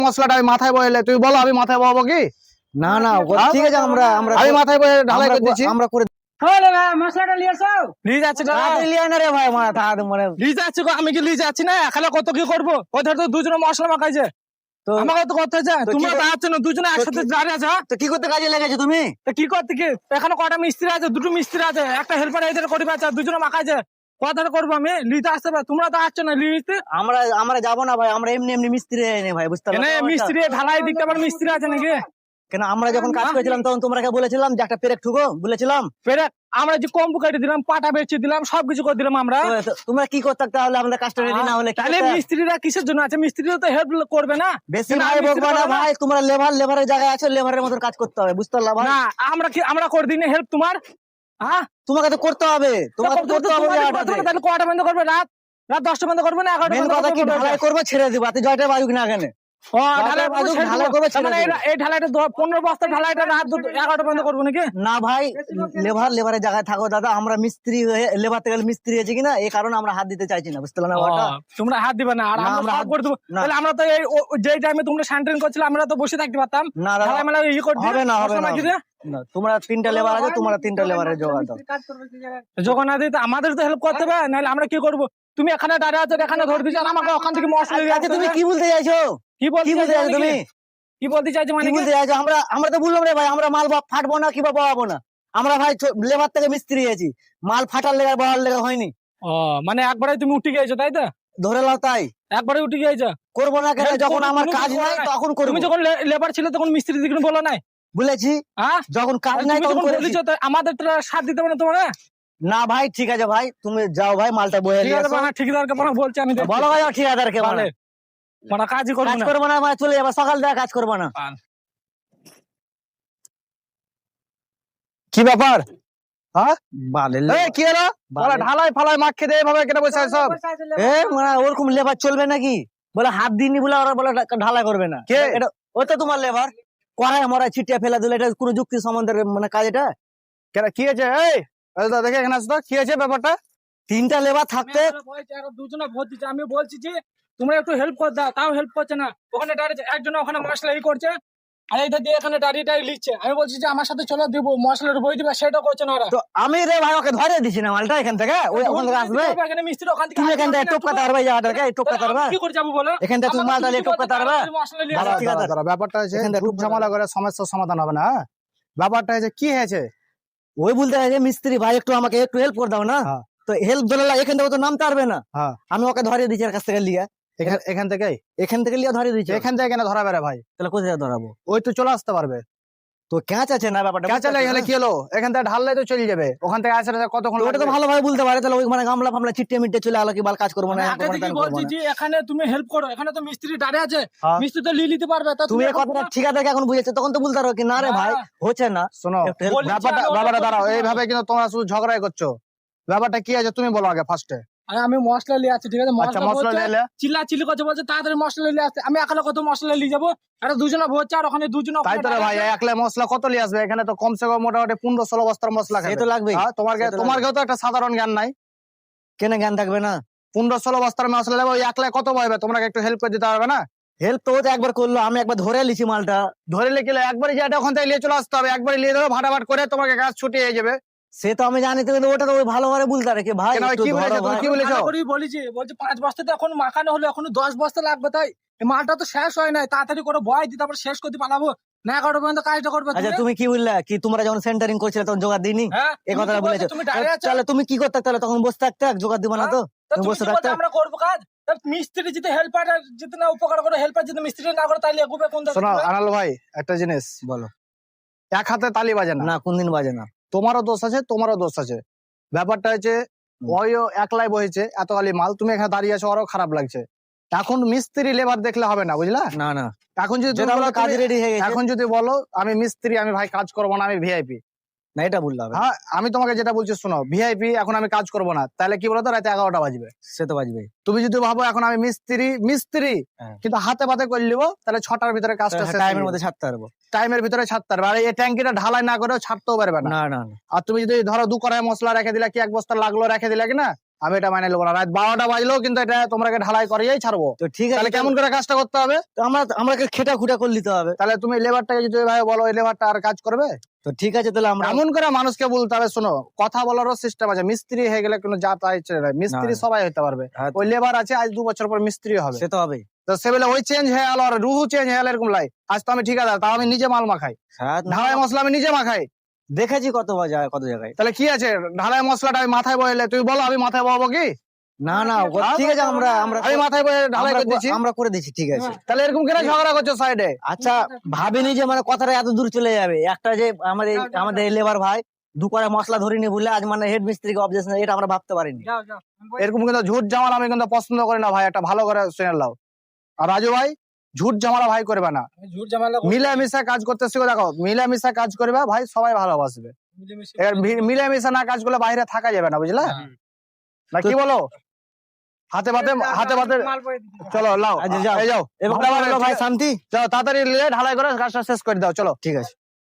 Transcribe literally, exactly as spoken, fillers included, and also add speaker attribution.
Speaker 1: মশলাটা আমি মাথায় বয়েলে তুই বলো আমি মাথায় বহাবো কি?
Speaker 2: না না ঠিক আছে, আমরা আমরা
Speaker 1: আমি মাথায় বয়ে ঢালাই করে দিচ্ছি।
Speaker 2: আমরা করে
Speaker 3: হলে ভাই মশলাটা নিয়ে আসো।
Speaker 4: নিয়ে যাচ্ছি না
Speaker 2: হাতে লিয়ে না রে ভাই, মাথা হাত মানে
Speaker 4: নিয়ে যাচ্ছি গো, আমি কি নিয়ে যাচ্ছি না? এখানে কত কি করবো? কোথায় তো দুজনে মশলা মাখাইছে,
Speaker 2: তো
Speaker 4: আমাকে তো করতে হচ্ছে।
Speaker 2: তো কি
Speaker 4: তোমরা
Speaker 2: কর-
Speaker 4: দাঁড়াচ্ছ না দুজনে একসাথে দাঁড়িয়ে আছো।
Speaker 2: তো কি করতে কাজে লেগেছো তুমি?
Speaker 4: তা কি করতে কি? এখানে কটা মিস্ত্রি আছে? দুটো মিস্ত্রি আছে, একটা হেল্পার এদের করবে আছে, দুজনে মাখাইছে। কথাটা করবো আমি লিতে আসতে পারে, তোমরা তো আসছো না লিতে।
Speaker 2: আমরা আমরা যাবো না ভাই, আমরা এমনি এমনি মিস্ত্রি নেই ভাই, বুঝতে
Speaker 4: এনে
Speaker 2: পারছো?
Speaker 4: মিস্ত্রি ঢালাই দিতে পারে, মিস্ত্রি আছে নাকি?
Speaker 2: কেন আমরা যখন কাজ করেছিলাম তখন তোমরা বলেছিলাম যে একটা পেরেক ঠুকো বলেছিলাম।
Speaker 4: ফেরে আমরা যে কম্বু কেটে দিলাম, পাটা বেচে দিলাম, সবকিছু করে দিলাম আমরা।
Speaker 2: তো- তো তোমরা কি করতে তাহলে আমাদের কাজটা রেডি না হলে কি
Speaker 4: তাহলে
Speaker 2: করতে?
Speaker 4: মিস্ত্রিরা কিসের জন্য আছে? মিস্ত্রিরা তো হেল্প করবে না।
Speaker 2: বেশি
Speaker 4: কেন
Speaker 2: ভাই
Speaker 4: মিস্ত্রি
Speaker 2: বকবা না
Speaker 4: করবে না?
Speaker 2: ভাই, তোমরা লেবার লেবারের জায়গায় আছো, লেবারের মতন কাজ করতে হবে, বুঝতে পারলা ভাই?
Speaker 4: না আমরা কি আমরা করে দিই হেল্প তোমার? হ্যাঁ
Speaker 2: তোমাকে তো করতে হবে, তোমাকে তো করতে হবে জায়গাটাতে।
Speaker 4: তাহলে কটা বন্ধ করবে? রাত রাত দশটা বন্ধ করবে না এগারোটা
Speaker 2: মেন
Speaker 4: বন্ধ
Speaker 2: কথা কি
Speaker 4: করবে?
Speaker 2: ঢালাই করবো ছেড়ে দিব, এত জয়টা বাজুক না কেন?
Speaker 4: ও, ঢালাই
Speaker 2: বাজুক,
Speaker 4: করবে, ছেড়ে
Speaker 2: ঢালাই
Speaker 4: দেবো।
Speaker 2: করবে,
Speaker 4: তার
Speaker 2: ছেড়ে
Speaker 4: মানে
Speaker 2: দেবো।
Speaker 4: এই- এই ঢালাইটা দ- পনেরো বস্তা ঢালাইটা রাত দু- এগারোটা বন্ধ করবো নাকি?
Speaker 2: না ভাই, লেবার লেবারের জায়গায় থাকো দাদা, আমরা মিস্ত্রি হয়ে লেবার থেকে মিস্ত্রি হয়েছি কিনা এই কারণে আমরা হাত দিতে চাইছি না, বুঝতে পারলা না
Speaker 4: ও,
Speaker 2: ওটা?
Speaker 4: তোমরা হাত দিবে না আর
Speaker 2: না,
Speaker 4: আমরা
Speaker 2: আমরা
Speaker 4: সব
Speaker 2: হাত-
Speaker 4: করে দেবো।
Speaker 2: না।
Speaker 4: তাহলে আমরা তো এই ও- যেই টাইমে তোমরা স্যান্ট্রেন করছিলে আমরা তো বসে থাকতে পারতাম।
Speaker 2: না দাদা,
Speaker 4: ঢালাই মেলা ইয়ে করে দিয়ে
Speaker 2: হবে না, হবে
Speaker 4: মশলা
Speaker 2: না।
Speaker 4: মাখিয়ে দিয়ে।
Speaker 2: না, তোমরা তিনটা লেবার আছে, তোমরা তিনটা লেবারের জোগাড় দাও।
Speaker 3: কাজ করবে কি জায়গায়?
Speaker 4: যখন না দিতে আমাদের তো হেল্প করতে হবে, নাহলে আমরা কি করবো? তুমি এখানে দাঁড়িয়ে আছো, এখানে ধরে দিচ্ছ, আর আমাকে ওখান থেকে মশলা দিয়ে
Speaker 2: আচ্ছা
Speaker 4: আসতে
Speaker 2: তুমি
Speaker 4: হবে।
Speaker 2: কি বলতে চাইছো?
Speaker 4: কি বলতে
Speaker 2: কি বলতে
Speaker 4: চাইছো
Speaker 2: চাইছো তুমি?
Speaker 4: কি বলতে চাইছো মানে
Speaker 2: কি
Speaker 4: কি?
Speaker 2: বলতে চাইছো? আমরা আমরা তো বললাম রে ভাই, আমরা মাল বা- ফাটবো না কিংবা বহাবো না। আমরা ভাই লেবার থেকে মিস্ত্রি হয়েছি, মাল ফাটার লেগে বহার লেগে হয়নি,
Speaker 4: ও মানে একবারে তুমি উঠে গিয়েছো তাই তো?
Speaker 2: ধরে লাও তাই।
Speaker 4: একবারে উঠে গিয়েছো।
Speaker 2: করবো না কেন?
Speaker 4: হেল্প
Speaker 2: যখন
Speaker 4: করবো,
Speaker 2: আমার
Speaker 4: কোনো
Speaker 2: কাজ
Speaker 4: কিছু
Speaker 2: নাই
Speaker 4: করবো না।
Speaker 2: তখন করবো।
Speaker 4: তুমি যখন লেবার ছিল তখন মিস্ত্রি দিকে বলো নাই?
Speaker 2: বলেছি
Speaker 4: হ্যাঁ
Speaker 2: যখন কাজ
Speaker 4: তুমি
Speaker 2: নাই তখন
Speaker 4: যখন
Speaker 2: করেছি।
Speaker 4: বলেছো তো আমাদের তো সাথ দিতে পারে তোমার।
Speaker 2: না ভাই ঠিক আছে ভাই, তুমি যাও ভাই, মালটা বয়ে
Speaker 4: ঠিক
Speaker 2: নিয়ে
Speaker 4: আছে
Speaker 2: আসো।
Speaker 4: মানে ঠিকাদারকে মানে বলছি আমি দেখছি।
Speaker 2: বলো ভাই ঠিকাদারকে,
Speaker 4: তাহলে
Speaker 2: মানে
Speaker 4: মানে কাজই করবো
Speaker 2: কাজ
Speaker 4: না।
Speaker 2: করবো না মানে চলে যাবো, সকাল থেকে কাজ করবো না।
Speaker 1: কি ব্যাপার? হ্যাঁ
Speaker 2: বালের
Speaker 1: এই কি হলো? বলে ঢালাই ফালাই মাখ খেতে এইভাবে কেটে বসে আছে সব।
Speaker 3: পয়সা আছে
Speaker 2: এ মানে ওরকম লেবার চলবে নাকি? বলে হাত দিননি বলে ওরা বলে ঢালাই করবে না।
Speaker 1: কে?
Speaker 2: এটা ও তো তোমার লেবার, কড়াই মরাই ছিটিয়ে ফেলে দিলে এটা কোনো যুক্তি সম্বন্ধের মানে কাজ এটা?
Speaker 1: কেন কি আছে? এই এই দাদা দেখে এখানে আসো তো, কি আছে ব্যাপারটা?
Speaker 2: তিনটা লেবার থাকতে
Speaker 4: দুজনে ভোট দিচ্ছে, আমি বলছি যে তোমরা একটু হেল্প করে দাও, তাও হেল্প করছে না। ওখানে দাঁড়িয়ে একজন ওখানে মশলা ই করছে, আর এইটা দিয়ে এখানে দাঁড়িয়ে দাঁড়িয়ে লিখছে। আমি বলছি যে আমার সাথে চলো দিব মশলার বই দিবে, সেটা করছে না ওরা।
Speaker 2: তো আমি রে ভাই ওকে ধরে দিছি না মালটা এখান থেকে, ওই ওখান থেকে আসবে।
Speaker 4: এখানে মিস্ত্রি ওখান থেকে
Speaker 2: তুমি এখান থেকে টপকাতে পারবে, জায়গাটাকে টপকাতে পারবে।
Speaker 4: কি করে যাবো বলো?
Speaker 2: এখান থেকে তুমি মালটা নিয়ে টপকাতে পারবে।
Speaker 4: মশলা নিয়ে
Speaker 2: দাদা,
Speaker 4: আসো।
Speaker 2: ঠিক আছে।
Speaker 1: দাঁড়া, দাঁড়া, ব্যাপারটা হচ্ছে
Speaker 2: এখান থেকে
Speaker 1: খুব
Speaker 2: ঢুকবে
Speaker 1: ঝামেলা করে সমস্যার সমাধান হবে না। হ্যাঁ? ব্যাপারটা হচ্ছে কি হয়েছে?
Speaker 2: ওই বলতে হয় যে মিস্ত্রি ভাই একটু আমাকে একটু হেল্প করে দাও না।
Speaker 1: হ্যাঁ।
Speaker 2: তো হেল্প ধরে লাগে, এখান থেকে ও তো নামতে পারবে না।
Speaker 1: হ্যাঁ
Speaker 2: আমি ওকে ধরে দিচ্ছি এর কাছ থেকে লিয়া,
Speaker 1: এখান এখান থেকে
Speaker 2: এখান থেকে লিয়া ধরে দিচ্ছি।
Speaker 1: এখান থেকে কেন ধরা বেড়ে ভাই?
Speaker 2: তাহলে কোথায় ধরাবো?
Speaker 1: ওই তো চলে আসতে পারবে।
Speaker 2: তো ক্যাচ আছে না ব্যাপারটা?
Speaker 1: ক্যাচা লেগে গেলে কি হলো? এখান থেকে ঢাললে তো চলে যাবে, ওখান থেকে আসলে কতক্ষণ
Speaker 2: তো ওটা তো
Speaker 1: লাগবে?
Speaker 2: ভালোভাবে বলতে পারে, তাহলে ওই মানে গামলা ফামলা চিটে মিটে চলে আলো কি বাল কাজ করবো না,
Speaker 4: আমি
Speaker 2: এরকম
Speaker 4: আগে
Speaker 2: করবো না,
Speaker 4: থেকেই
Speaker 2: তেরকম করবো
Speaker 4: বলছি
Speaker 2: না।
Speaker 4: যে এখানে তুমি হেল্প করো, এখানে তো মিস্ত্রি দাঁড়িয়ে আছে,
Speaker 1: হ্যাঁ।
Speaker 4: মিস্ত্রি তো লিয়ে নিতে পারবে। তা
Speaker 2: তুমি এই
Speaker 4: এখন
Speaker 2: কথাটা
Speaker 4: পুরো-
Speaker 2: ঠিকাদারকে এখন বুঝেছো, তখন তো বলতে পারো কি না রে ভাই
Speaker 4: হ্যাঁ।
Speaker 2: হচ্ছে না।
Speaker 1: শোনো
Speaker 2: একটু help
Speaker 4: বলি-
Speaker 1: ব্যাপারটা
Speaker 4: আমি
Speaker 1: ব্যাপারটা
Speaker 4: ওটা
Speaker 1: দাঁড়াও,
Speaker 4: করছি না।
Speaker 1: এইভাবে কিন্তু তোমরা শুধু ঝগড়াই করছো। ব্যাপারটা কি আছে তুমি বলো আগে ফার্স্টে।
Speaker 4: আরে আমি মশলা নিয়ে আসছি, ঠিক আছে?
Speaker 1: আচ্ছা
Speaker 4: মশলা
Speaker 1: মশলা
Speaker 4: বলছে,
Speaker 1: নিলে
Speaker 4: চিল্লা চিল্লি করছে, বলছে তাড়াতাড়ি মশলা নিয়ে আসতে। আমি একালে কত মশলা নিয়ে যাবো? আরে দুজনে ভরছে আর ওখানে দুজনে
Speaker 1: তাই তো রে ভাই, একলা মশলা কত লিয়ে আসবে? এখানে তো কমসে কম মোটামুটি পনেরো ষোলো বস্তার মশলা
Speaker 2: সে
Speaker 1: খাবে।
Speaker 2: তো লাগবেই।
Speaker 1: হ্যাঁ, তোমার
Speaker 2: সে তো
Speaker 1: তোমার
Speaker 2: লাগবে।
Speaker 1: কেউ তো একটা সাধারণ জ্ঞান নাই।
Speaker 2: কেন জ্ঞান থাকবে না?
Speaker 1: পনেরো ষোলো বস্তার মশলা দেবো, ওই একলা কত বইবে? তোমরা একটু হেল্প করে দিতে পারবে না?
Speaker 2: হেল্প তো ও তো একবার করলো, আমি একবার ধরে লিছি মালটা।
Speaker 1: ধরে লিখলে একবারই যেটা ওখান থেকে নিয়ে চলে আসতে হবে, একবারই নিয়ে দেবে, ভাটাভাট করে তোমাকে কাজ ছুটিয়ে হয়ে যাবে।
Speaker 2: সে তো আমি জানি, তো কিন্তু ওটা তো ওই ভালোভাবে বলতে পারে কি ভাই
Speaker 1: কেন ভাই,
Speaker 2: একটু
Speaker 1: কি
Speaker 2: ধরো
Speaker 1: বলেছে? তুমি
Speaker 2: ভাই।
Speaker 1: কি বলেছো?
Speaker 4: ভালো করেই বলেছি, বলছে পাঁচ বস্তা তো এখন মাখানো হলো, এখন দশ বস্তা লাগবে। তাই এই মালটা তো শেষ হয় নাই, তাড়াতাড়ি করে বয় দিই, তারপর শেষ করতে পালাবো না। এগারোটা পর্যন্ত কাজটা করবে
Speaker 2: আচ্ছা
Speaker 4: তুমি।
Speaker 2: তুমি কি বললা কি তোমরা যখন সেন্টারিং করছিলে তখন জোগাড় দিইনি?
Speaker 4: হ্যাঁ,
Speaker 2: এই
Speaker 4: তুমি
Speaker 2: কথাটা
Speaker 4: তো বলছো
Speaker 2: বলেছো।
Speaker 4: তুমি দাঁড়িয়ে আছো।
Speaker 2: তাহলে তুমি কি করতে তাহলে তখন বসে থাকতে, জোগাড় দিবা না তো?
Speaker 4: তা
Speaker 2: তুমি
Speaker 4: তুমি
Speaker 2: বসে
Speaker 4: কি বলছো
Speaker 2: থাকতে।
Speaker 4: আমরা করবো কাজ? তা মিস্ত্রি যদি হেল্পার যদি না উপকার করে, হেল্পার যদি মিস্ত্রি না করে, তাহলে এগোবে কোন দিকে?
Speaker 1: শোনো আনাল ভাই, একটা জিনিস
Speaker 2: বলো।
Speaker 1: এক হাতে তালি বাজে না।
Speaker 2: না কোনদিন বাজে না।
Speaker 1: তোমারও দোষ আছে, তোমারও দোষ আছে। ব্যাপারটা হচ্ছে ওইও একলাই বহেছে এত গালি মাল, তুমি এখানে দাঁড়িয়ে আছো, আরো খারাপ লাগছে। এখন মিস্ত্রি লেবার দেখলে হবে না, বুঝলা?
Speaker 2: না না,
Speaker 1: এখন যদি তুমি
Speaker 2: যেটা
Speaker 1: বলো
Speaker 2: আমাদের কাজ
Speaker 1: তুমি-
Speaker 2: রেডি হয়ে গেছে।
Speaker 1: এখন যদি বলো আমি মিস্ত্রি, আমি ভাই কাজ করবো না, আমি ভিআইপি।
Speaker 2: না এটা বললে হবে না।
Speaker 1: হ্যাঁ, আমি তোমাকে যেটা বলছি শোনো, ভিআইপি এখন আমি কাজ করবো না, তাহলে কি বলতো রাতে এগারোটা বাজবে।
Speaker 2: সে তো বাজবে।
Speaker 1: তুমি যদি ভাবো এখন আমি মিস্ত্রি মিস্ত্রি
Speaker 2: হ্যাঁ।
Speaker 1: কিন্তু হাতে পাতে করে নিবো, তাহলে ছটার ভিতরে কাজটা শেষ
Speaker 2: টাইমের মধ্যে ছাড়তে পারবো।
Speaker 1: টাইমের ভিতরে ছাড়তে পারবে। আর এই ট্যাঙ্কিটা ঢালাই না করেও ছাড়তেও পারবে না।
Speaker 2: না না না।
Speaker 1: আর তুমি যদি ধরো দু কড়াই মশলা রেখে দিলে কি এক বস্তা লাগলো রেখে দিলে কি না, আমি এটা মানে নেবো না। রাত বারোটা বাজলেও কিন্তু এটা তোমরাকে ঢালাই করিয়েই ছাড়বো।
Speaker 2: তো ঠিক আছে,
Speaker 1: তাহলে কেমন করে কাজটা করতে হবে?
Speaker 2: তো আমরা আমাকে খেটা খুটা করে নিতে হবে।
Speaker 1: তাহলে তুমি লেবারটাকে যদি ভাই বলো এই লেবারটা আর কাজ করবে,
Speaker 2: তো ঠিক আছে তাহলে আমরা
Speaker 1: এমন করে মানুষকে বলতে হবে। শোনো, কথা বলারও সিস্টেম আছে। মিস্ত্রি হয়ে গেলে কোনো যা তাই ছেড়ে দেয়, মিস্ত্রি
Speaker 2: না।
Speaker 1: সবাই হতে পারবে।
Speaker 2: হ্যাঁ,
Speaker 1: ওই লেবার আছে, আজ দু বছর পর মিস্ত্রি হবে।
Speaker 2: সে তো হবে।
Speaker 1: তো সে বলে ওই চেঞ্জ হয়ে গেল আর রুহু চেঞ্জ হয়ে গেল এরকম লাই। আজ তো আমি ঠিকাদার, তাও আমি নিজে মাল মাখাই,
Speaker 2: হ্যাঁ, না,
Speaker 1: ঢালাই মশলা আমি নিজে মাখাই।
Speaker 2: দেখেছি কত জায়গায় কত জায়গায়।
Speaker 1: তাহলে কি আছে, ঢালাই মশলাটা আমি মাথায় বইলে তুই বলো আমি মাথায় বহাবো কি?
Speaker 2: না না ও- ঠিক আছে, আমরা আমরা
Speaker 1: আমি মাথায় বয়ে ঢালাই
Speaker 2: আমরা
Speaker 1: করে দিচ্ছি।
Speaker 2: আমরা করে দিচ্ছি, ঠিক আছে।
Speaker 1: তাহলে এরকম কেন ঝগড়া করছো সাইডে?
Speaker 2: আচ্ছা, ভাবিনি যে মানে কথাটা এত দূর চলে যাবে। একটা যে আমাদের আমাদের লেবার ভাই দু করে মশলা ধরিনি বলে আজ মানে হেড মিস্ত্রিকে অবজেকশন, এটা আমরা ভাবতে পারিনি।
Speaker 4: যাও যাও আমি বলছি-
Speaker 1: এরকম কিন্তু ঝুট ঝামেলা আমি কিন্তু পছন্দ করি না ভাই। একটা ভালো করে শুনে নাও। আর রাজু ভাই, ঝুট ঝামেলা ভাই করবে না,
Speaker 4: আমি ঝুট ঝামেলা করবো না,
Speaker 1: মিলেমিশে কাজ করতে শিখো। দেখো, মিলেমিশে কাজ করবে ভাই, সবাই ভালোবাসবে।
Speaker 4: মিলেমিশে
Speaker 1: এবার ভি- মিলেমিশে না কাজ করলে বাইরে থাকা যাবে না, বুঝলে না? কি বলো? হাতে পাতে হাতে পাতে
Speaker 4: মাল বয়ে দিচ্ছি।
Speaker 1: চলো লাও,
Speaker 2: আচ্ছা, যাও।
Speaker 1: এই যাও
Speaker 2: এবার
Speaker 1: মোটামুটি
Speaker 2: ভাই শান্তি।
Speaker 1: যাও, তাড়াতাড়ি নিয়ে ঢালাই করে কাজটা শেষ করে দাও। চলো
Speaker 2: ঠিক আছে।